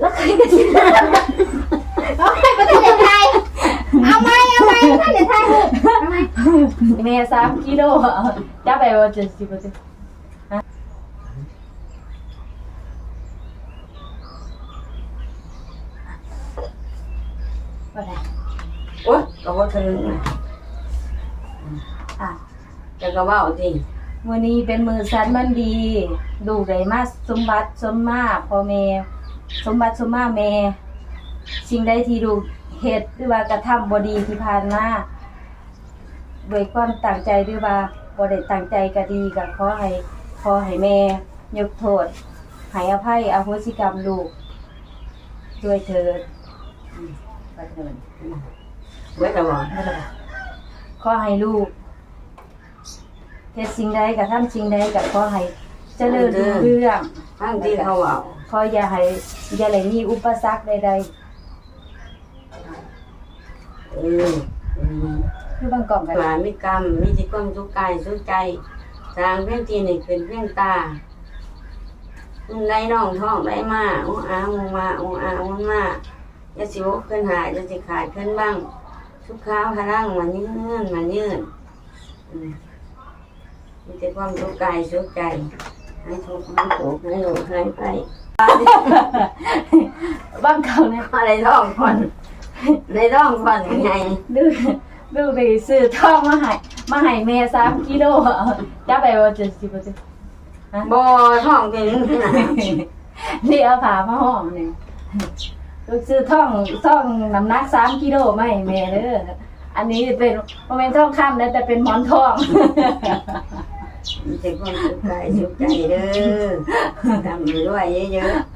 แล้วใครก็ชิเอาไปประเทศไทยเอาไหมประเทศไทยเอาไหมแม่3 กิโลจะไปว่า70% โอ๊ยก็บ่ถึงจะก็เว้าจริงมื้อนี้เป็นมื้อสันมันดีลูกได้มาสมบัติสมมาพ่อแม่สมบัติสมมาแม่สิ่งใดที่ลูกเฮ็ดหรือว่ากระทำบ่ดีที่ผ่านมาด้วยความตั้งใจหรือว่าบ่ได้ตั้งใจก็ดีก็ขอให้แม่ยกโทษให้อภัยอโหสิกรรมลูกด้วยเถิดบัดเถิดเว้ยแต่ว่าขอให้ลูกเฮ็ดสิ่งใดก็ทำสิ่งใดก็ขอให้เจริญรุ่งเรืองทางที่เขาเว้าขออย่าได้มีอุปสรรคใดๆคือบางกล่องกันว่ามีกรรมมีจิตความสุขกายสุขใจสร้างเพียงที่นี่เป็นเพียงตาได้น้องท้องได้มาอุ้งอาอุ้งมาอุ้งอาอุ้งมาอย่าสิวขึ้นหายอย่าสิขาดขึ้นบ้างทุกข้าวพลังมันยืนมีแต่ความสุขกายสุขใจให้ทุกข์ให้สุขให้โลกให้ไปบางครั้งเนี่ยอะไรท้องก่อนในท้องก่อนยังไงดูไปซื้อทองมาให้แม่3 กิโลจะไปว่า70% บ่ท้องเป็นนี่เอาผ้ามาห่อนี่ลูกซื้อทองน้ำหนัก3 กิโลมาให้แม่เด้ออันนี้เป็นบ่แม่นทองคำนะแต่เป็นหมอนทองมีแต่ความสุขกายสุขใจเด้อทำด้วยเยอะๆ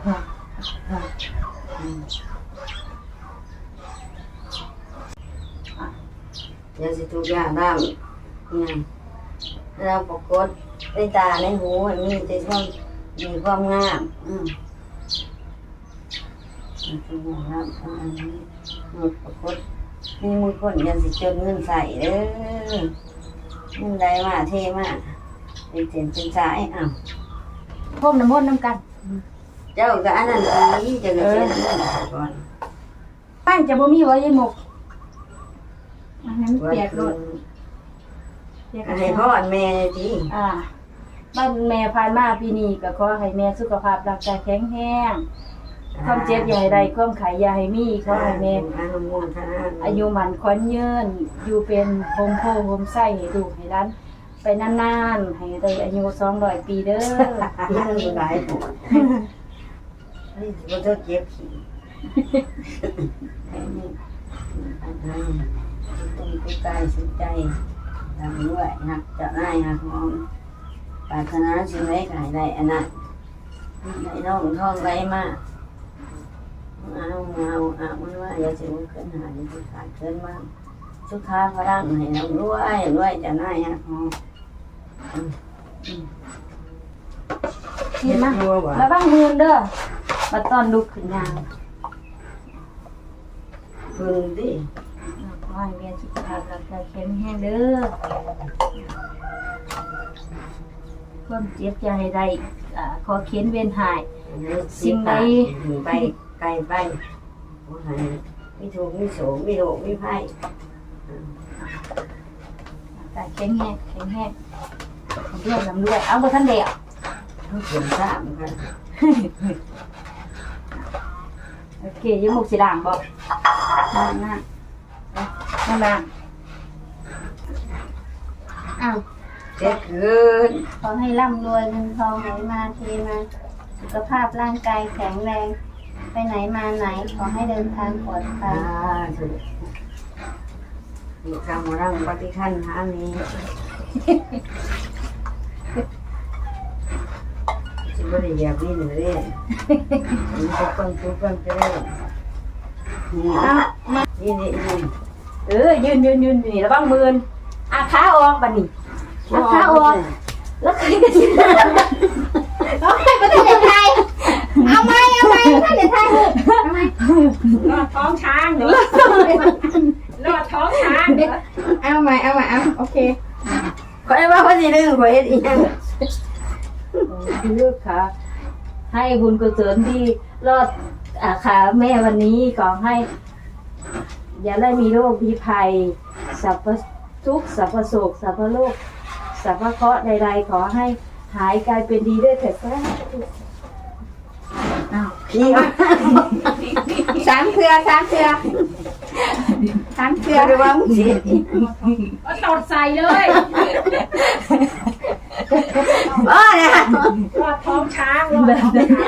อย่าสิทุกอย่างบ้างเราปรากฏในตาในหูมีแต่ความงามทุกอย่างครับอันนี้ปรากฏมีมือคนอย่าสิจนเงินใส่เด้อเงินได้มาเท่มากเป็นเส้นเป็นสายพรมน้ำมนต์น้ำกันเจ้าก็อันนั้นนี้จะเงินก่อนบ้านจะบ่มีไว้ยายหมกอันนั้นเปียกรถให้พ่อแม่ทีบ้านแม่ผ่านมาปีนี้ก็ขอให้แม่สุขภาพร่างกายแข็งแรงความเจ็บอย่าให้ได้ความไข้อย่าให้มีขอให้แม่อายุมันขวัญยืนอยู่เป็นโฮมโพโฮมไส้ให้ลูกให้ร้านไปนานๆให้ได้อายุ200 ปีเด้อยังหลายปวดนี่บ่เท่าเจ็บขี้ต้องกุศลสุขใจทำด้วยหักเจ้านายหักมองปรารถนาสิ่งใดก็ให้ได้อันนั้นได้น้องท้องไรมาเอามันว่าอย่าสิวขึ้นหาอย่าสิขาดขึ้นมากสุขาพลังให้เราด้วยเจ้านายหักมองเห็นมั้ยระวังมือเด้อมาตอนลุกขึ้นยางพึ่งดิขอให้แม่สุขภาพร่างกายแข็งแรงเด้อความเจ็บอย่าให้ได้ขอเขียนเวียนหายสิ่งใดไปไกลไปมีทุกข์มีโศกมีโรคมีภัยแต่แข็งแรงเรื่องลำด้วยเอาบ่ทันเดียวเขียนสามกันโอเคยังหมกสีด่างบอกนั่งอ้าวเจ็บเกินขอให้ร่ำรวยเงินทองไหลมาเทมาสุขภาพร่างกายแข็งแรงไปไหนมาไหนขอให้เดินทางปลอดภัยมีคำร่างปฏิคันหานี้สิบริยาบินเลยมีแต่คนทุกคนเจริญนี่ยืนนี่ระวังมือขาออกบัดนี้ขาออกแล้วใครก็สิเอาไปประเทศไทยเอาไหมประเทศไทยเอาไหมรอดท้องช้างเหรอรอดท้องช้างเอาไหมโอเคขอให้ว่าคนที่หนึ่งขอเฮ็ดอีกอย่างคือค่ะให้บุญกุศลที่รอดค่ะแม่วันนี้ขอให้ อย่าได้มีโรคพิภัยสัพพทุกข์สัพพโศกสัพพโรคสัพพเคราะห์ใดๆขอให้หายกลายเป็นดีด้วยเถิดสาธุพี่สามเครือสามเครือสามเครือหรือว่ามึงสิก็ตดใส่เลยเนี่ยรอดท้องช้างรอดท้องช้าง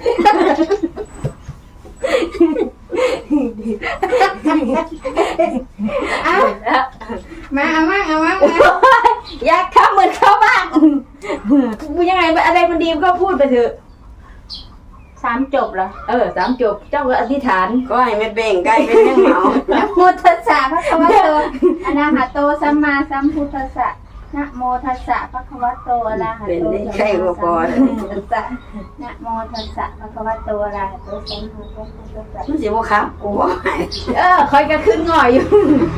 มาเอามาอยากเข้าเหมือนเข้าบ้างยังไงอะไรมันดีก็พูดไปเถอะ3 จบเหรอ3 จบเจ้าก็อธิษฐานก็ให้ไม่เบ่งใกล้เป็นยังเหมานะโมตัสสะพระคะวะโตอะระหะโตสัมมาสัมพุทธัสสะนะโมตัสสะพระคะวะโตอะระหะเป็นโตได้สัมใครมาก็สัมพพุอทธัสสะนะโมตัสสะพระคะวะโตอะระหะโตสัมมาสัมพุทธัสสะมันสิบ่ครับกูบ่ให้คอยก็ขึ้นง่อยอยู่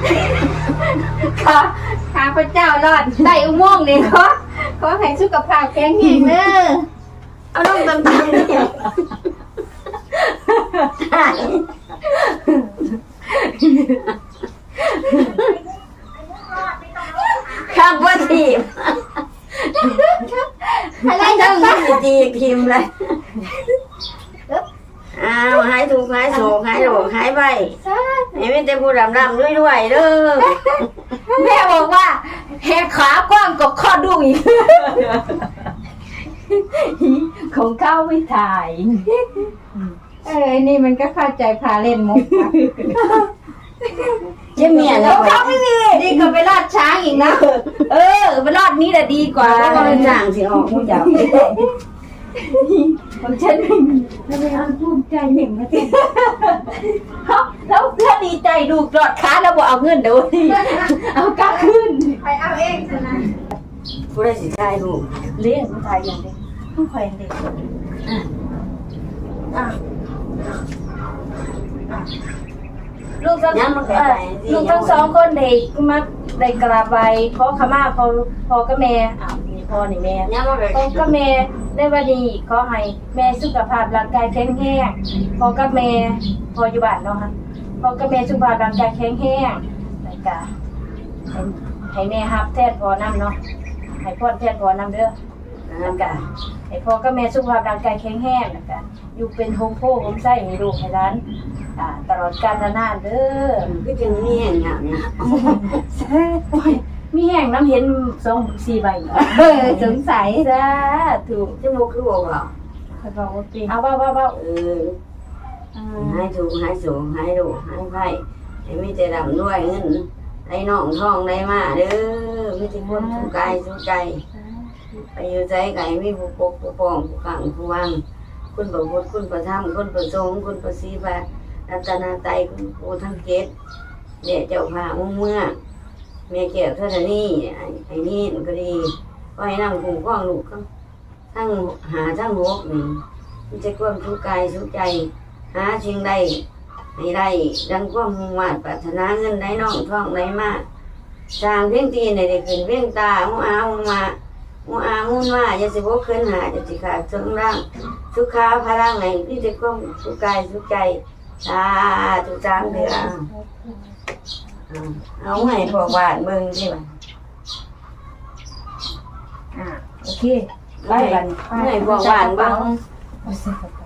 ข้าพเจ้ารอดได้อุโมงค์นี่ขอให้สุขภาพแข็งแรงเด้อเอาลงตำๆนี่ข้ามว่าทีมอะไรต้นะองจีทีมเลยอ้าวหายถูกข์หายโศกหายโรคหายไปให้มีแต่ผู้รำด้วยเด้อแม่บอกว่าแหกขากว้างกว่าข้อดุอีก ของข้าวไม่ถ่ายนี่มันก็เข้าใจพาเล่นมุกเจ๊เมียขนะองข้าวไม่มีดีกว่าไปลอดช้างอีกนะไปลอดนี้แหละดีกว่าว่าก็เป็นจ้างสิออกผู้จับของฉันไม่มีแล้วไม่เอาภูมิใจเห็นไหมแล้วเพื่อนดีใจดูกอดขาแล้วบอกเอาเงินเดี๋ยวเอากลับขึ้นไปเอาเองนะผู้ได้สิทายลูกเลี้ยงผู้ชายอย่างเด็กผู้ชายเด็กลูกทั้ง2 คนเด็กมาได้กราบไหว้ขอขมาพ่อกับแม่มีพ่อนี่แม่ยังมาเลยพ่อกับแม่ได้วันนี้ขอให้แม่สุขภาพร่างกายแข็งแรงพ่อกับแม่พ่ออยู่บ้านเนาะค่ะพ่อกับแม่สุขภาพร่างกายแข็งแรงแล้วก็ให้แม่ฮับแทนพ่อนำเนาะให้พ่อแทนพ่อนำเด้อแล้วก็ให้พ่อกับแม่สุขภาพร่างกายแข็งแรงแล้วก็อยู่เป็นโฮมโพโฮมไส้ให้ลูกให้หลานตลอดกาลนานเด้อก็จึงมีอย่างเงี้ยมีแห้งน้ำเห็น2-4 ใบสงสัยจ้าถูกจมูกคือบอกเราเขาบอกว่าเป็นเอาว่าหายถูกหายสูงหายดุหายไพ่ให้มีแต่ดำด้วยเงินได้น้องทองได้มาเด้อมีแต่คนสุกายสุใจไปอยู่ใจไก่มีผู้ปกผู้ป้องผู้ขังผู้วังคุณประพุทธคุณประธรรมคุณประสงค์คุณประสีบารัตนาไตคุณครูทั้งเกศเดี๋ยวเจ้าพาอุ้มเมื่อเมียเกี่ยวเท่านี้ไอ้นี่มันก็ดีก็ให้นั่งคุ้มครองลูกทั้งหาทั้งหกนี่มันจะความทุกข์กายทุกใจหาสิ่งใดให้ได้ดังความมุ่งมั่นปรารถนาเงินได้น้องทองได้มากสร้างเพียงตีในได้ขึ้นเพียงตาหัวอาหัวมาหัวอาหัวมาจะสิบกขึ้นหาจะสิขาดเชิงร่างทุกขาพลังไหนที่จะความทุกข์กายทุกใจทุกจางเดือเอาให้พวกบ้านเบิ่งสิบ่ะโอเคไปกันให้พวกบ้านเบิ่งเอาใส่กระเป๋า